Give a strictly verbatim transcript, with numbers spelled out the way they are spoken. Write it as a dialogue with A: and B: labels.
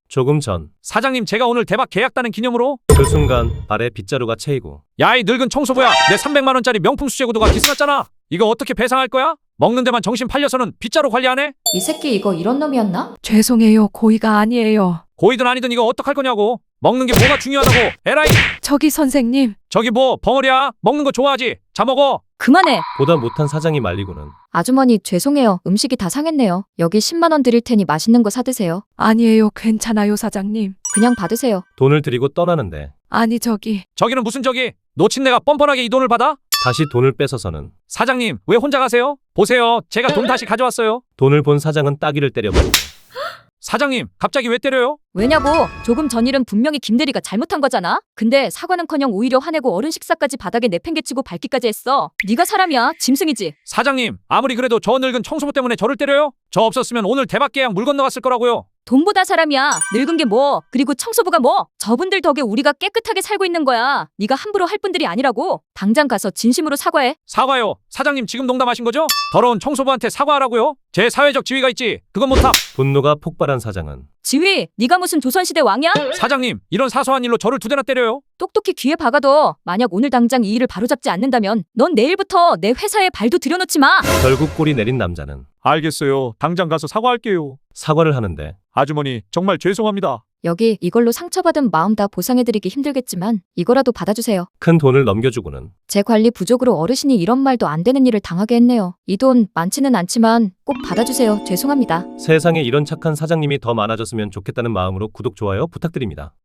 A: 조금 전
B: 사장님, 제가 오늘 대박 계약 따는 기념으로.
A: 그 순간 발에 빗자루가 채이고
B: 야, 이 늙은 청소부야, 내 삼백만 원짜리 명품 수제 구두가 기스났잖아. 이거 어떻게 배상할 거야? 먹는 데만 정신 팔려서는 빗자루 관리하네?
C: 이 새끼 이거 이런 놈이었나?
D: 죄송해요. 고의가 아니에요.
B: 고이든 아니든 이거 어떡할 거냐고. 먹는 게 뭐가 중요하다고. 에라이.
D: 저기 선생님.
B: 저기 뭐 벙어리야. 먹는 거 좋아하지. 자 먹어.
C: 그만해.
A: 보다 못한 사장이 말리고는
C: 아주머니 죄송해요. 음식이 다 상했네요. 여기 십만 원 드릴 테니 맛있는 거 사드세요.
D: 아니에요. 괜찮아요, 사장님.
C: 그냥 받으세요.
A: 돈을 드리고 떠나는데
D: 아니 저기.
B: 저기는 무슨 저기. 놓친 내가 뻔뻔하게 이 돈을 받아?
A: 다시 돈을 뺏어서는
B: 사장님, 왜 혼자 가세요? 보세요. 제가 돈 다시 가져왔어요.
A: 돈을 본 사장은 따귀를 때려버리고
B: 사장님, 갑자기 왜 때려요?
C: 왜냐고? 조금 전 일은 분명히 김대리가 잘못한 거잖아. 근데 사과는커녕 오히려 화내고 어른 식사까지 바닥에 내팽개치고 밟기까지 했어. 네가 사람이야. 짐승이지.
B: 사장님, 아무리 그래도 저 늙은 청소부 때문에 저를 때려요? 저 없었으면 오늘 대박 계약 물 건너갔을 거라고요.
C: 돈보다 사람이야. 늙은 게 뭐? 그리고 청소부가 뭐? 저분들 덕에 우리가 깨끗하게 살고 있는 거야. 네가 함부로 할 분들이 아니라고. 당장 가서 진심으로 사과해.
B: 사과요. 사장님, 지금 농담하신 거죠? 더러운 청소부한테 사과하라고요? 제 사회적 지위가 있지. 그건 못함.
A: 분노가 폭발한 사장은
C: 지휘, 네가 무슨 조선시대 왕이야?
B: 사장님, 이런 사소한 일로 저를 두 대나 때려요?
C: 똑똑히 귀에 박아둬. 만약 오늘 당장 이 일을 바로잡지 않는다면 넌 내일부터 내 회사에 발도 들여놓지 마.
A: 결국 꼬리 내린 남자는
B: 알겠어요. 당장 가서 사과할게요.
A: 사과를 하는데
B: 아주머니, 정말 죄송합니다.
C: 여기 이걸로 상처받은 마음 다 보상해드리기 힘들겠지만 이거라도 받아주세요.
A: 큰 돈을 넘겨주고는
C: 제 관리 부족으로 어르신이 이런 말도 안 되는 일을 당하게 했네요. 이 돈 많지는 않지만 꼭 받아주세요. 죄송합니다.
A: 세상에 이런 착한 사장님이 더 많아졌으면 좋겠다는 마음으로 구독, 좋아요 부탁드립니다.